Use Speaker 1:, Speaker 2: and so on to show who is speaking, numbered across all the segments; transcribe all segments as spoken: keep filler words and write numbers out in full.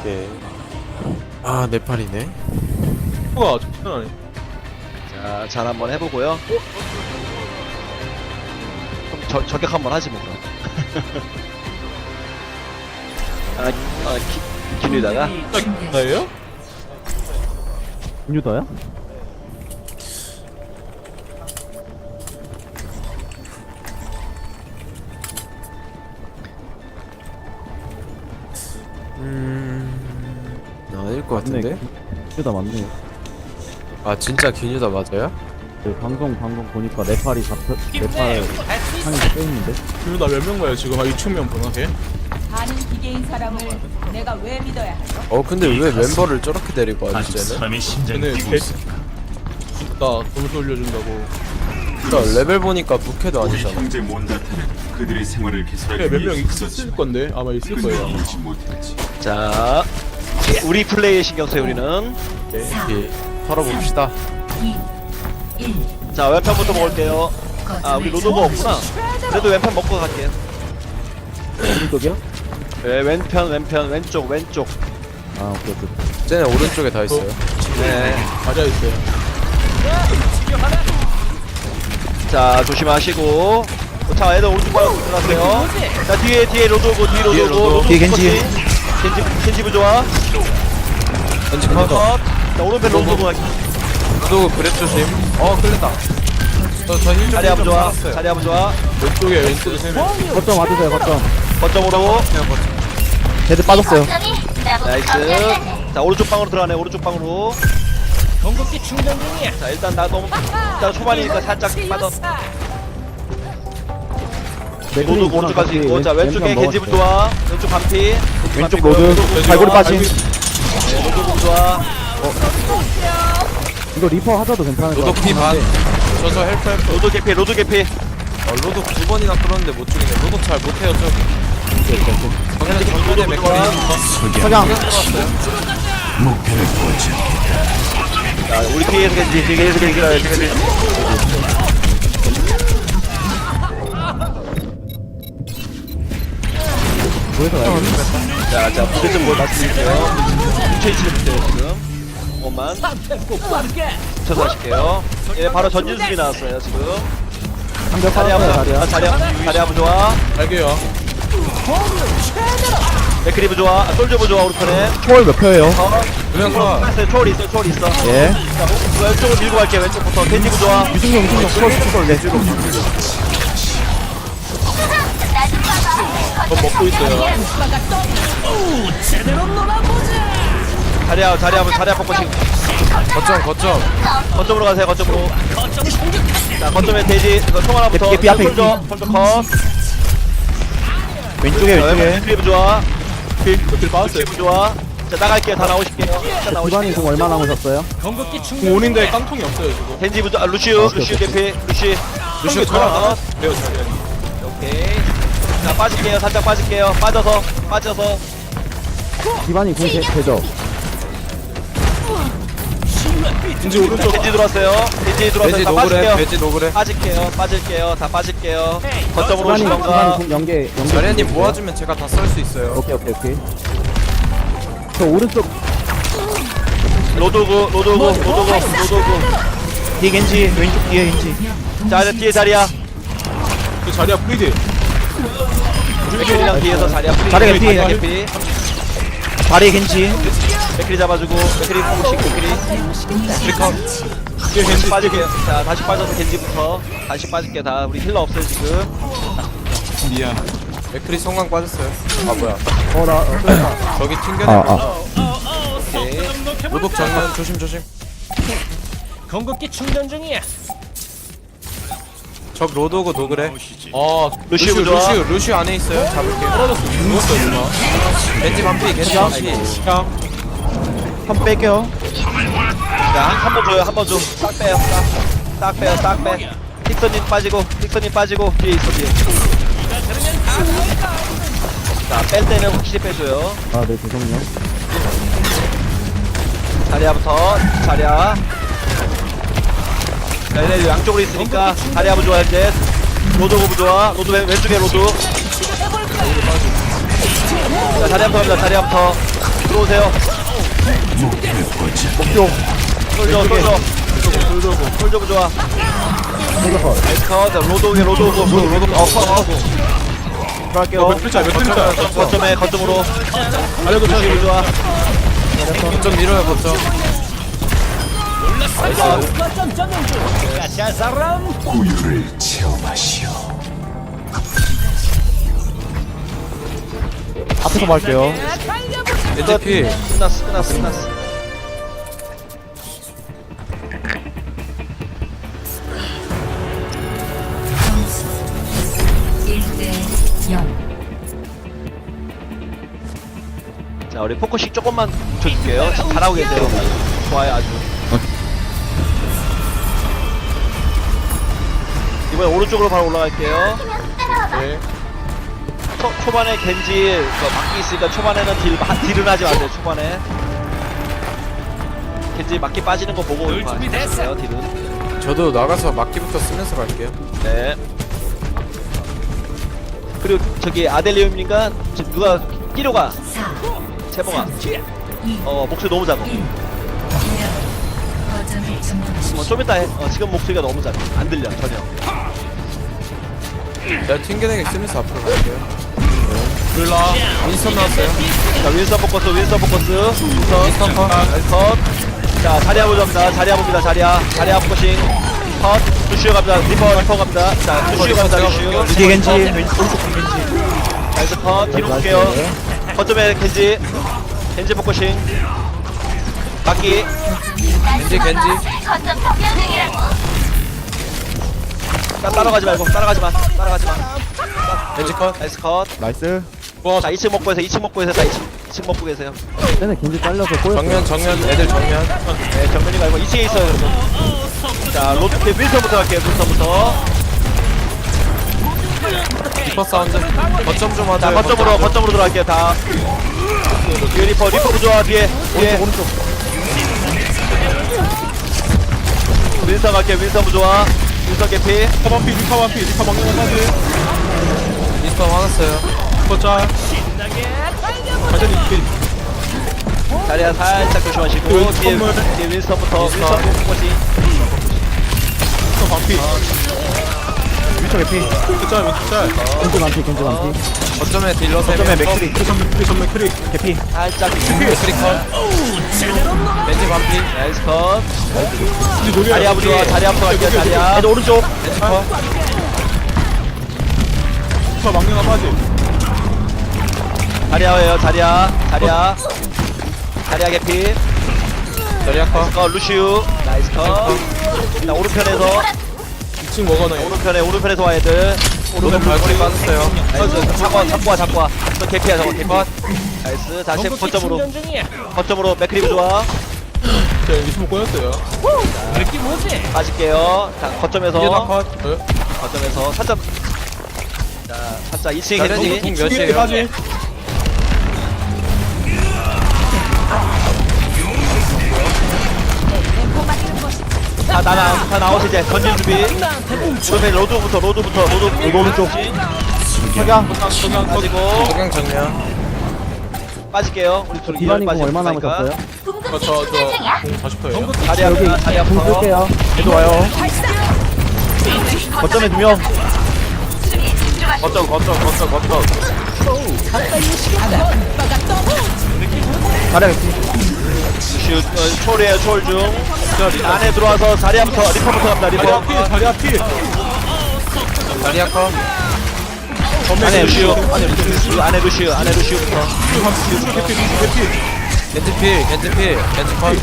Speaker 1: 오케이. 아, 네팔이네.
Speaker 2: 우와, 좋네.
Speaker 3: 자, 잘 한번 해보고요. 그럼 저, 저격 한번 하지 뭐 그럼. 아, 아 기, 기누다가
Speaker 2: 나예요?
Speaker 4: 유다야?
Speaker 1: 음, 아닐 것 같은데?
Speaker 4: 유다 맞네.
Speaker 1: 아, 진짜 기뉴다 맞아요?
Speaker 4: 그 방송 방송 보니까 네팔이 잡혀 네팔 상이 빼있는데.
Speaker 2: 지금 나몇 명 가요? 지금 한 이천 명 보나 걔?
Speaker 5: 반은 기계인 사람을 내가 왜 믿어야 하죠?
Speaker 1: 어, 근데 왜 멤버를 저렇게 데리고 와지, 쟤는?
Speaker 6: 사람의 심장이
Speaker 2: 걔네
Speaker 6: 뛰고
Speaker 2: 개
Speaker 6: 있어.
Speaker 2: 진짜 점수 올려준다고.
Speaker 1: 그러니까 레벨 보니까 부캐도
Speaker 6: 우리
Speaker 1: 아니잖아.
Speaker 6: 형제 몬다타는 그들의 생활을 개선하기
Speaker 2: 걔 몇 명
Speaker 6: 위해서
Speaker 2: 있을 건데 아마 있을 거예요.
Speaker 6: 끊지 못했지.
Speaker 3: 자, 우리 플레이에 신경 써요 우리는.
Speaker 1: 예, 털어봅시다.
Speaker 3: 자, 왼편부터 먹을게요. 아, 우리 로도가 없구나. 그래도 왼편 먹고 갈게요.
Speaker 4: 오른쪽이야?
Speaker 3: 네, 왼편, 왼편, 왼쪽, 왼쪽.
Speaker 4: 아 오케이 오케이.
Speaker 1: 쟤네 오른쪽에 다 있어요.
Speaker 3: 네.
Speaker 2: 맞아 있어요.
Speaker 3: 자, 조심하시고. 자, 애들 오른쪽 바로 들어가세요. 자, 뒤에, 뒤에 로드 오고, 뒤에 로드
Speaker 1: 뒤에
Speaker 3: 오고.
Speaker 1: 로드.
Speaker 3: 로드
Speaker 4: 뒤에
Speaker 3: 오고,
Speaker 4: 겐지.
Speaker 3: 겐지, 겐지부 좋아.
Speaker 1: 왠지 카운터.
Speaker 3: 자, 오른편 로드 오고.
Speaker 1: 또 그랩 조심. 어, 끌렸다. 저, 저 힐 좀,
Speaker 3: 자리 한번
Speaker 1: 힐좀
Speaker 3: 좋아.
Speaker 1: 받았어요.
Speaker 3: 자리 한번 좋아.
Speaker 2: 왼쪽에 왼쪽에 세 명.
Speaker 4: 거점 와주세요 거점.
Speaker 3: 거점으로.
Speaker 1: 그냥 버텨.
Speaker 4: 헤드 빠졌어요.
Speaker 3: 나이스. 자, 오른쪽 방으로 들어가네. 오른쪽 방으로.
Speaker 5: 공급기 충전 중이야.
Speaker 3: 자, 일단 나 너무 일단 초반이니까 살짝 빠져. 로드 오른쪽까지 있고. 자, 왼쪽에 겐지부 좋아. 왼쪽 반피.
Speaker 4: 왼쪽
Speaker 3: 반피
Speaker 4: 로드.
Speaker 3: 보여요.
Speaker 4: 갈고리 빠짐.
Speaker 3: 네, 로드 좋아.
Speaker 4: 이거 리퍼 하자도 괜찮을 것
Speaker 1: 로드 피 반.
Speaker 4: 같은데.
Speaker 1: 저저 헬프 헬프.
Speaker 3: 로드 개피. 로드 개피.
Speaker 1: 어, 로드 두 번이나 끌었는데 못 죽이네. 로드 잘 못해요, 저. 정면에 정면에 맥거리.
Speaker 4: 석양.
Speaker 6: 목표를 보지.
Speaker 3: 자, 우리 뒤에서 겐지. 뒤에서 겐지. 겐지.
Speaker 4: 보여서 가야겠네.
Speaker 3: 자, 자, 무대 좀뭘 말씀드릴게요. 뭉쳐있지는 못해요, 지금. 조금만. 뭉쳐서 하실게요. 예, 바로 전진 수비 나왔어요, 지금.
Speaker 4: 상대
Speaker 3: 자리
Speaker 4: 빠졌어요
Speaker 3: 한번, 아,
Speaker 4: 자리야.
Speaker 3: 자리 한번, 자리 한번 좋아.
Speaker 2: 알게요.
Speaker 3: 맥크리브 좋아. 아, 솔저브 좋아, 우리 편에.
Speaker 4: 초월 몇 표예요?
Speaker 3: 어,
Speaker 1: 그냥 가.
Speaker 3: 있어요. 초월 있어, 초월 있어.
Speaker 4: 예.
Speaker 3: 자, 뭐, 왼쪽으로 밀고 갈게요, 왼쪽부터. 겐지브 좋아.
Speaker 4: 유승용 유승용 초월 초월 네.
Speaker 2: 저 먹고 있어요.
Speaker 3: 자리야, 자리야, 자리야, 뽑고 지금.
Speaker 1: 거점, 거점.
Speaker 3: 거점으로 가세요, 거점으로. 자, 거점에 돼지, 이거 총 하나부터.
Speaker 4: 개피, 앞에
Speaker 3: 솔저, 솔저 컷.
Speaker 4: 왼쪽에
Speaker 3: 자,
Speaker 4: 왼쪽에.
Speaker 3: 맥크리브 좋아.
Speaker 2: 길 빠졌어요.
Speaker 3: 맥크리브 좋아. 자, 나갈게요, 다 나오실게요. 자,
Speaker 4: 기반이
Speaker 3: 나오실게요.
Speaker 4: 공 얼마 남으셨어요?
Speaker 2: 공원인데 깡통이 없어요 지금.
Speaker 3: 겐지브 좋아. 아, 루시우, 루시우 개피, 루시.
Speaker 2: 루시오
Speaker 3: 저랑
Speaker 2: 저랑 돼요 자리야.
Speaker 3: 오케이. 자, 빠질게요, 살짝 빠질게요. 빠져서, 빠져서.
Speaker 4: 기반이 공 되, 되죠?
Speaker 2: 겐지 오른쪽.
Speaker 3: 겐지 들어왔어요. 겐지 들어왔어요.
Speaker 1: 돼지
Speaker 3: 다
Speaker 1: 노그래,
Speaker 3: 빠질게요.
Speaker 1: 돼지 노그래.
Speaker 3: 빠질게요, 빠질게요. 다 빠질게요. 거점으로
Speaker 4: 기반이 기반이
Speaker 3: 오시던가.
Speaker 4: 공 연계 연계.
Speaker 1: 자리아님 모아주면 제가 다 썰 수 있어요.
Speaker 4: 오케이 오케이 오케이. 저 오른쪽
Speaker 3: 로도구, 로도구, 로도구, 로도구.
Speaker 4: 뒤에 겐지 왼쪽 뒤에 겐지.
Speaker 3: 자, 이제 뒤에 자리야.
Speaker 2: 그 자리야 프리드.
Speaker 3: 맥크리랑 뒤에서 자리야. 프리.
Speaker 4: 자리야, 뒤에.
Speaker 3: 자리야, 개피.
Speaker 4: 다리에 겐지.
Speaker 3: 맥크리 잡아주고, 맥크리 포식, 맥크리.
Speaker 1: 프리컷.
Speaker 3: 뒤에 겐지 빠질게요. 자, 다시 빠져서 겐지부터. 다시 빠질게요. 다 우리 힐러 없어요, 지금.
Speaker 2: 미안.
Speaker 1: 맥크리 성광 빠졌어요. 아, 뭐야.
Speaker 4: 어나 어,
Speaker 1: 저기 튕겨내.
Speaker 4: 아, 아.
Speaker 3: 오케이.
Speaker 1: 로독 정면 조심, 조심.
Speaker 5: 공급기 충전 중이야.
Speaker 1: 적 로드오고 노그래.
Speaker 2: 아
Speaker 3: 루시우
Speaker 1: 루시우,
Speaker 3: 좋아.
Speaker 1: 루시우, 루시우 안에 있어요. 잡을게요.
Speaker 2: 떨어졌어. 죽었어 누나.
Speaker 1: 겐지 반피, 겐지 반피.
Speaker 2: 형.
Speaker 4: 한 뺄게요.
Speaker 3: 자, 한 번 줘요, 한 번 줘. 싹 빼요, 싹. 싹 빼요, 싹 빼. 틱선님 빠지고, 틱선님 빠지고, 뒤에 있어, 뒤에. 자, 뺄 때는 확실히 빼줘요.
Speaker 4: 아 네 죄송해요.
Speaker 3: 자리야부터, 자리야. 자, 얘네 양쪽으로 있으니까, 자리야 부 좋아, 이제. 로드 오브 좋아. 로드 왼, 왼쪽에 로드. 자, 자리야부터 갑니다, 자리야부터. 들어오세요.
Speaker 6: 목표를 보자.
Speaker 3: 목표. 솔져, 솔져. 솔져고, 솔져고 좋아. 나이스 컷. 로드 오게, 로드 오고, 로드 오고. 어, 컷, 컷. 들어갈게요.
Speaker 2: 몇 글자 몇 글자.
Speaker 3: 거점에, 거점으로.
Speaker 2: 알려도 쳐.
Speaker 3: 솔져 좋아.
Speaker 1: 거점 밀어요 거점.
Speaker 6: 우유를 체험하시오.
Speaker 4: 앞에서 말게요.
Speaker 1: 겐지 필.
Speaker 3: 끝났어, 끝났어, 끝났어. 자, 우리 포커싱 조금만 붙여줄게요. 자, 잘하고 계세요. 좋아요, 아주. 이번에 오른쪽으로 바로 올라갈게요.
Speaker 2: 네.
Speaker 3: 초, 초반에 겐지 그 막기 있으니까 초반에는 딜, 마- 딜은 하지 마세요. 초반에 겐지 막기 빠지는 거 보고 하세요. 딜은.
Speaker 1: 저도 나가서 막기부터 쓰면서 갈게요.
Speaker 3: 네. 그리고 저기 아델리움님과 지금 누가 끼려가 채봉아. 어 목소리 너무 작아. 어, 좀 이따 해. 어, 지금 목소리가 너무 작아. 안 들려 전혀.
Speaker 1: 내가 튕겨내기 쓰면서 앞으로 갈게요.
Speaker 2: 몰라.
Speaker 1: 윈스턴 나왔어요.
Speaker 3: 자 윈서 포커스 윈서 포커스. 윈서
Speaker 1: 윈스턴 컷.
Speaker 3: 컷. 자 자리야 보자입니다. 자리야 봅니다. 자리야. 자리야 포커싱. 컷. 루시오 갑니다. 리퍼 리퍼 갑니다. 자 루시오 갑니다. 루시오.
Speaker 4: 뒤에 겐지.
Speaker 3: 나이스 컷. 뒤로 볼게요. 거점에 겐지. 겐지 포커싱. 막기.
Speaker 1: 겐지 겐지.
Speaker 3: 자 따라가지 말고 따라가지 마. 따라가지 마.
Speaker 1: 겐지 컷.
Speaker 3: 나이스 컷.
Speaker 4: 나이스.
Speaker 2: 와
Speaker 3: 자 이 층 먹고 계세요. 이 층 먹고 계세요. 자 이 층 이 층 먹고 계세요.
Speaker 4: 쟤네 겐지 잘려서 꼬였어요.
Speaker 1: 정면 정면 애들 정면.
Speaker 3: 네 정면이 말고 이 층에 있어요. 여러분. 자 로드 네, 윈서부터 갈게요. 윈서부터.
Speaker 1: 리퍼 사운드. 거점 좀 하자.
Speaker 3: 자 거점으로 거점으로 들어갈게요. 다. 뒤에 리퍼 리퍼 부좋아 뒤에 뒤에.
Speaker 4: 오른쪽.
Speaker 3: 윈서 갈게요. 윈서 부좋아. 윈서 개피.
Speaker 2: 리카 반피 리카 반피 리카 막는 거 사지.
Speaker 1: 윈스턴 화났어요.
Speaker 2: 거짜. 완전히 이렇게
Speaker 3: 자리야 살짝 조심하시고
Speaker 2: 그
Speaker 3: 뒤에
Speaker 2: 선물.
Speaker 3: 뒤에 윈서부터
Speaker 1: 윈스턴.
Speaker 3: 윈서 포커싱.
Speaker 2: 리카 반피.
Speaker 4: 위쪽 에피.
Speaker 2: 거짜 거짜.
Speaker 4: 겐지 많지, 겐지 많지.
Speaker 1: 거점에 딜러 세
Speaker 4: 거점에
Speaker 1: 명.
Speaker 4: 맥크리.
Speaker 2: 그 전면 그 전면 크리.
Speaker 4: 개피.
Speaker 3: 살짝
Speaker 1: 맥크리 컷. 겐지 반피.
Speaker 3: 나이스 컷.
Speaker 2: 이제 노래.
Speaker 3: 자리야 부좋아. 자리야부터 갈게요. 자리야.
Speaker 4: 애들 오른쪽.
Speaker 1: 겐지 컷.
Speaker 2: 리카 막는 거 빠지.
Speaker 3: 자리야예요. 자리야. 자리야. 자리야 개피.
Speaker 1: 자리야 컷.
Speaker 3: 어 루시우. 나이스 컷. 자 오른편에서
Speaker 2: 이 층 먹어놔요.
Speaker 3: 오른편에 오른편에서 와야 돼.
Speaker 1: 오른쪽 발걸이 빠졌어요.
Speaker 3: 나이스. 잡고 와, 잡고 와, 잡고 와. 저 개피야, 저거 개피. 나이스. 다시 거점으로. 거점으로 맥크리브 좋아.
Speaker 2: 자 이층 먹고 였어요.
Speaker 3: 빠질게요. 자,
Speaker 1: 이게 다
Speaker 3: 거점에서.
Speaker 1: 컷.
Speaker 3: 거점에서 살짝. 자, 살짝 이 층에
Speaker 1: 자리야
Speaker 3: 겐지.
Speaker 1: 공
Speaker 2: 뒤에
Speaker 1: 몇이에요?
Speaker 2: 빠지.
Speaker 3: 다 나나, 다 나오시 이제. 전진 준비. 그러면 로드부터, 로드부터, 로드.
Speaker 4: 이거 오른쪽.
Speaker 3: 석양. 석양 빠지고.
Speaker 1: 석양 정면.
Speaker 3: 빠질게요. 우리 둘
Speaker 4: 디바님 공
Speaker 3: 빠지고
Speaker 4: 얼마
Speaker 3: 있으니까.
Speaker 4: 남으셨어요?
Speaker 2: 저저공 사십 퍼예요.
Speaker 3: 자리야,
Speaker 4: 여기
Speaker 3: 자리야
Speaker 4: 공
Speaker 3: 부터.
Speaker 4: 쓸게요. 애들 와요. 거점에 두 명.
Speaker 1: 거점 거점 거점 거점.
Speaker 4: 자리야 개피.
Speaker 3: 루시우, 어, 초월이에요, 초월 중. 안에 들어와서 자리야부터, 리퍼부터 갑니다,
Speaker 2: 자리야
Speaker 3: 리퍼.
Speaker 2: 피 자리야 피.
Speaker 1: 자리야 컷.
Speaker 3: 안에 루시우, 안에 루시우, 안에 루시우, 안에 루시우부터.
Speaker 2: 루시 개피 루시 개피.
Speaker 1: 겐지 필 겐지 필 겐지 컷.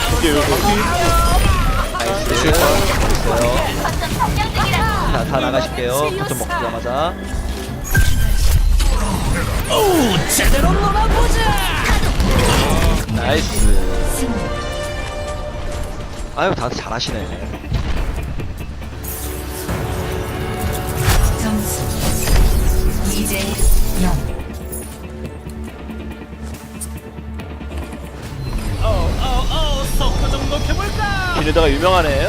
Speaker 3: 루시우 컷. 있어요. 자, 다 나가실게요. 거점 먹자마자. 나이스. 아유, 다들 잘하시네.
Speaker 7: 점수 이 대 영.
Speaker 3: 걔네다가 유명하네요.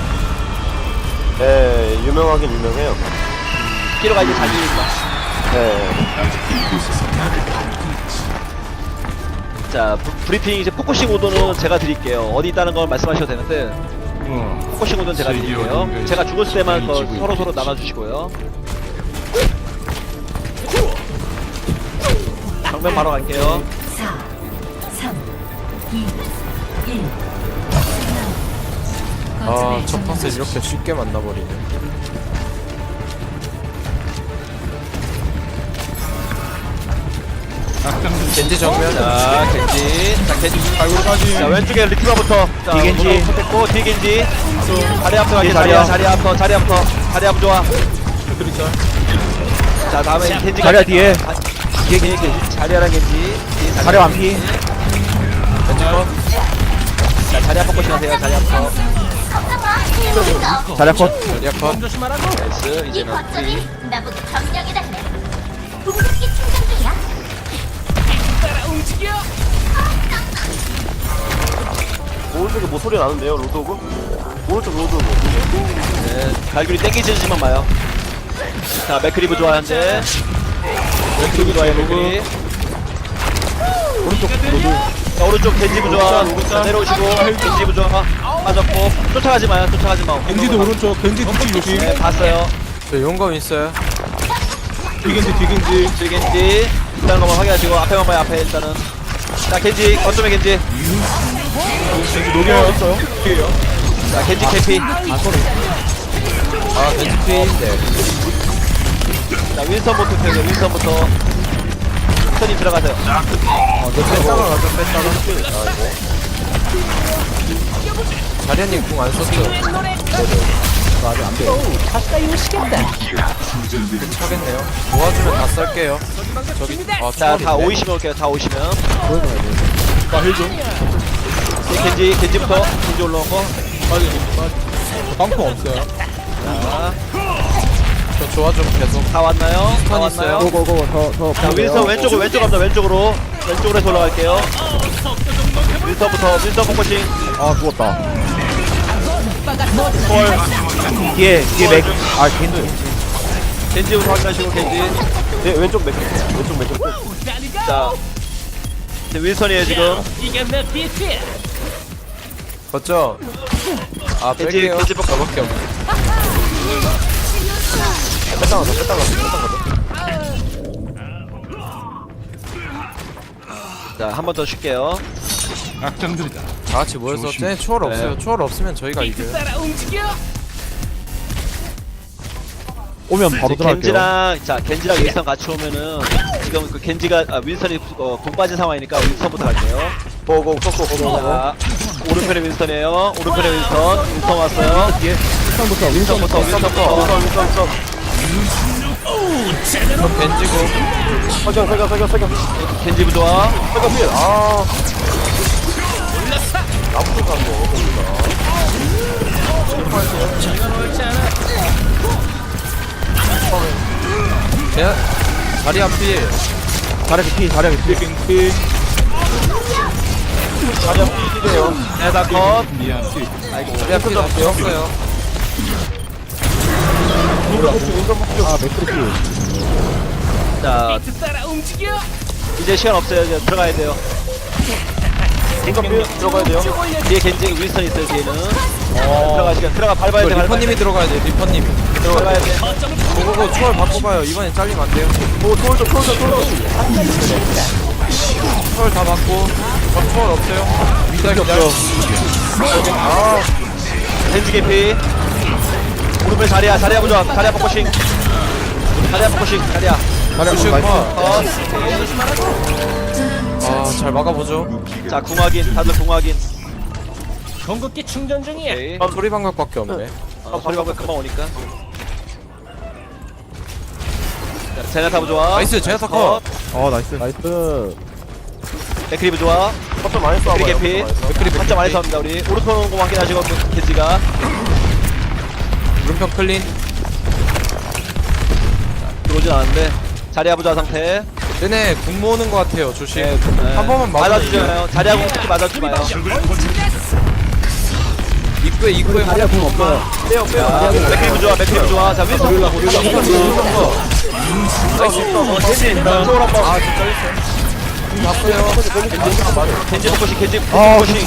Speaker 8: 네, 유명하긴 유명해요.
Speaker 3: 키로가 이제 자기니까.
Speaker 8: 네.
Speaker 6: 아직 이곳에서 나를
Speaker 3: 자 브, 브리핑 이제 포커싱 오도는 제가 드릴게요. 어디 있다는 걸 말씀하셔도 되는데 포커싱 오도는 제가 드릴게요. 제가 죽었을 때만 그 서로 서로 나눠주시고요. 정면 바로 갈게요.
Speaker 7: 사, 삼, 이, 일.
Speaker 1: 아, 첫 판을 이렇게 쉽게 만나버리네. 겐지 정면.
Speaker 3: 자 겐지, 자 겐지,
Speaker 2: 갈고리까지.
Speaker 3: 자 왼쪽에 리트바부터. 자
Speaker 4: 뒤겐지.
Speaker 3: 오른쪽 선택고 뒤 겐지. 자리 앞서 갈게.
Speaker 4: 뒤에
Speaker 3: 자리
Speaker 4: 자리야.
Speaker 3: 앞, 자리 앞서, 자리 앞서, 자리 앞 좋아.
Speaker 2: 맥크리 짤.
Speaker 3: 자 다음에 겐지.
Speaker 4: 자리야, 뒤에.
Speaker 3: 뒤에 겐지. 자리야랑 겐지. 뒤에
Speaker 4: 자리 완피.
Speaker 1: 겐지 컷.
Speaker 3: 자 자리 앞 포커싱 하세요. 자리 앞서.
Speaker 4: 자리야 컷.
Speaker 1: 자리야 컷.
Speaker 3: 나이스. 이제는 우리.
Speaker 8: 나보고 점령해달래. 궁극기 충전 중이야.
Speaker 3: 오른쪽에 뭐 소리 나는데요, 로드오브? 오른쪽 로드오브. 네, 갈귤이 땡기지만 마요. 자, 맥크리브 좋아, 현재. 맥크리브 좋아요, 맥크리. 오른쪽 로드. 자, 오른쪽 겐지브 좋아. 자, 내려오시고, 겐지브 좋아. 빠졌고. 쫓아가지 마요, 쫓아가지 마.
Speaker 2: 겐지도 오른쪽, 겐지 뒤쪽 조심.
Speaker 3: 네, 봤어요.
Speaker 1: 저 용검 있어요.
Speaker 2: 뒤겐지, 뒤겐지.
Speaker 3: 줄 겐지. 일단 한번 확인하시고, 앞에만 봐요, 앞에 일단은. 자, 겐지, 거점에 겐지.
Speaker 2: 겐지 녹여요. 뒤에요.
Speaker 3: 자, 겐지 캐피.
Speaker 1: 아, 겐지 피인데.
Speaker 3: 자, 윈스턴부터 펴요, 윈스턴부터. 윈스턴이 들어가세요.
Speaker 1: 어, 너 뺐다가 가자, 뺐다가. 아, 이거. 자리아님 궁 안 썼죠?
Speaker 4: 아직 안 돼.
Speaker 1: 차겠네요. 모아주면 다 썰게요. 저기, 아,
Speaker 3: 자, 다
Speaker 1: 초월인데?
Speaker 3: 오이시면 올게요, 다 오시면.
Speaker 2: 나힐 좀.
Speaker 3: 겐지, 겐지부터. 겐지 올라오고.
Speaker 2: 빠지, 빠지. 빵포 없어요.
Speaker 3: 자,
Speaker 1: 저 좋아 좀 계속.
Speaker 3: 다 왔나요? 다
Speaker 1: 스턴
Speaker 3: 왔나요?
Speaker 4: 고고고 더 더.
Speaker 3: 자, 윈스턴 왼쪽으로, 왼쪽 갑니다, 왼쪽으로. 왼쪽으로 해서 올라갈게요. 윈스턴부터, 윈스턴 포커싱.
Speaker 4: 아 죽었다.
Speaker 3: 헐.
Speaker 4: 뒤에 뒤에 맥. 아 겐지.
Speaker 3: 겐지부터 확인하시고, 겐지. 네, 왼쪽 맥, 왼쪽 맥. 자, 이제 윈스턴이에요, 지금.
Speaker 1: 거점. 아,
Speaker 3: 겐지,
Speaker 1: 뺄게요.
Speaker 3: 겐지 뻑
Speaker 1: 저밖에 없네. 뺐다가 더, 뺐다가 더, 뺐다가 더.
Speaker 3: 자, 한 번 더 쉴게요.
Speaker 6: 악당들이다.
Speaker 1: 다 같이 모여서 쟤네 초월 없어요. 초월 없으면 저희가 이겨요.
Speaker 4: 오면 바로
Speaker 3: 이제
Speaker 4: 들어갈게요.
Speaker 3: 겐지랑, 자, 겐지랑 윈스턴 같이 오면은, 지금 그 겐지가, 아, 윈스턴이 어, 공 빠진 상황이니까 윈스턴부터 갈게요. 보고, 쏘고, 보고. 자, 오른편에 윈스턴이에요. 오른편에 윈스턴. 윈스턴 왔어요.
Speaker 4: 뒤에 윈스턴부터
Speaker 3: 윈스턴부터, 윈스턴부터. 윈스턴, 윈스턴.
Speaker 1: 그럼 겐지고.
Speaker 3: 석영, 석영, 석영, 석영. 겐지부 좋아. 석영 필. 아. 나부터 간 거.
Speaker 1: 쟤 자리 앞이
Speaker 4: 자리야 피 자리야 피.
Speaker 2: 겐지.
Speaker 3: 자리 앞 필이에요. 네, 다 컷.
Speaker 6: 미안.
Speaker 3: 아이고,
Speaker 1: 자리 앞이 다 되었어요.
Speaker 4: 아 맥크리 피.
Speaker 3: 자, 이제 시간 없어요. 이제 들어가야 돼요. 겐지 들어가야 돼요. 뒤에 겐지 윈스턴 있어요. 뒤에는. 들어가 시간 들어가 밟아야
Speaker 1: 이거
Speaker 3: 돼. 밟아야
Speaker 1: 리퍼님이
Speaker 3: 돼.
Speaker 1: 들어가야 돼. 리퍼님이.
Speaker 3: 들어가야 돼.
Speaker 1: 고고고 초월 바꿔봐요. 이번엔 잘리면 안 돼요.
Speaker 3: 오, 돌 좀, 돌 좀, 돌 좀.
Speaker 1: 초월 다 받고. 저 초월 없어요. 기다려 기다려.
Speaker 3: 아, 겐지 개피. 오른쪽 자리야, 자리야 보자. 자리야 포커싱. 자리야 포커싱. 자리야.
Speaker 4: 자리야
Speaker 1: 루시오
Speaker 4: 나이스.
Speaker 1: 컷.
Speaker 3: 컷.
Speaker 1: 아, 잘 막아보죠.
Speaker 3: 자, 궁확인. 다들 궁확인.
Speaker 9: 전국기 충전 중이야.
Speaker 3: 오케이.
Speaker 1: 아, 소리 방각밖에 없네.
Speaker 3: 어, 소리 방금 금방 오니까. 자, 제나타브 좋아.
Speaker 1: 나이스, 제나타 컷.
Speaker 4: 어 나이스. 나이스.
Speaker 3: 맥크리브 좋아. 컵좀 많이 쏴. 맥크리 개피. 맥크리 한점 많이 쏴입니다 우리. 오른손 온거 확인하시고 겐지가.
Speaker 1: 물음표 클린.
Speaker 3: 들어오진 않았는데. 자리야 부자 상태.
Speaker 1: 쟤네 궁 모으는 것 같아요. 조심.
Speaker 3: 네, 네.
Speaker 1: 한 번만 맞아주세요.
Speaker 3: 맞아주잖아요. 자리하고 특히 맞아주지 마요.
Speaker 1: 입구에 입구에
Speaker 4: 자리야 공 없어요.
Speaker 3: 빼요 빼요. 맥크리브 좋아. 맥크리브 좋아. 자 윈스턴. 윈스턴. 윈스턴. 윈스턴. 윈스턴. 겐지. 이쪽으로 한번.
Speaker 1: 아 진짜 있어. 봤어요.
Speaker 3: 겐지 포커싱 겐지
Speaker 2: 아,
Speaker 3: 포커싱.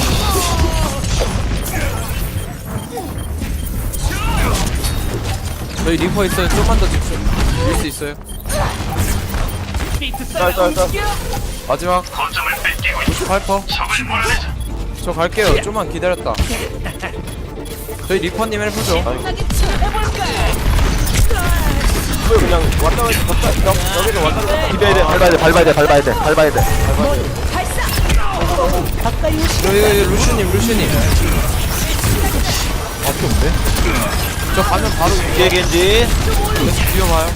Speaker 1: 저희 리퍼 있어요. 좀만 더 집중. 밀 수 있어요. 짤짤짤. 마지막. 구십팔 퍼센트. 저 갈게요. 좀만 기다렸다. 저희 리퍼님 해보죠.
Speaker 3: 그냥 왔다 갔다 여기서 왔다 갔다 기대야 돼. 밟아야 돼. 밟아야 돼. 밟아야 돼. 밟아야 돼.
Speaker 1: 여기, 여기 루슈님, 루슈님.
Speaker 2: 앞이 없네.
Speaker 1: 저 가면 바로
Speaker 3: 뒤에 겐지.
Speaker 1: 뛰어봐요.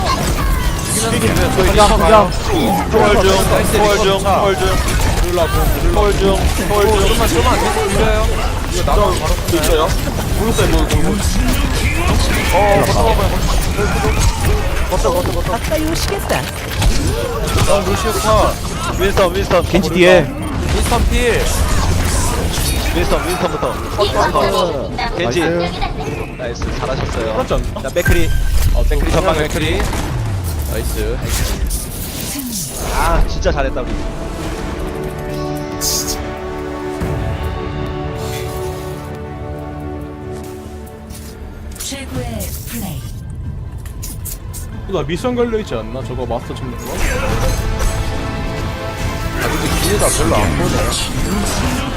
Speaker 1: 저희
Speaker 2: 그냥,
Speaker 1: 리퍼
Speaker 2: 그냥.
Speaker 1: 가요.
Speaker 3: 초월 중. 초월 중. 초월 중. 초월 중. 초월 중.
Speaker 1: 좀만, 좀만 계속 밀려요. 이거 나가면 바로
Speaker 3: 있어요. 모르겠어요. 뭐 뭐.
Speaker 1: 어, 걷어봐봐요.
Speaker 3: 걷다 걷다 걷다.
Speaker 1: 어, 루시오 컷.
Speaker 3: 윈스턴 윈스턴.
Speaker 2: 겐지 뒤에.
Speaker 1: 인스턴 필.
Speaker 3: 윈스턴 윈스턴부터. 겐지. 나이스 잘하셨어요.
Speaker 2: 그렇지 않나?
Speaker 3: 자 맥크리. 어 맥크리 전방
Speaker 1: 전방
Speaker 3: 맥크리.
Speaker 1: 맥크리. 나이스.
Speaker 3: 아 진짜 잘했다 우리.
Speaker 7: 최고의 플레이.
Speaker 2: 나 미션 걸려있지 않나? 저거 마스터 찍는 거?
Speaker 1: 아, 근데 기회가 별로 안 보네.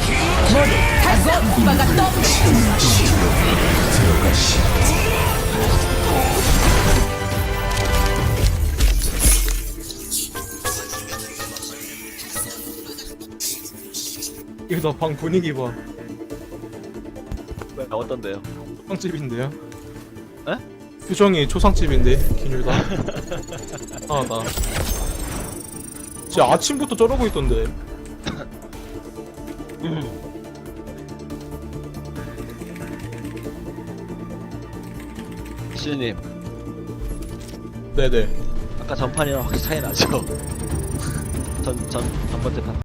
Speaker 2: 이거 방 분위기 봐.
Speaker 3: 왜 어떤데요?
Speaker 2: 초상집인데요?
Speaker 3: 에?
Speaker 2: 표정이 초상집인데 기뉴다. 아나 진짜 아침부터 저러고 있던데.
Speaker 3: 시즈님
Speaker 2: 네네.
Speaker 3: 아까 전판이랑 확실히 차이 나죠? 전, 전, 전 번째 판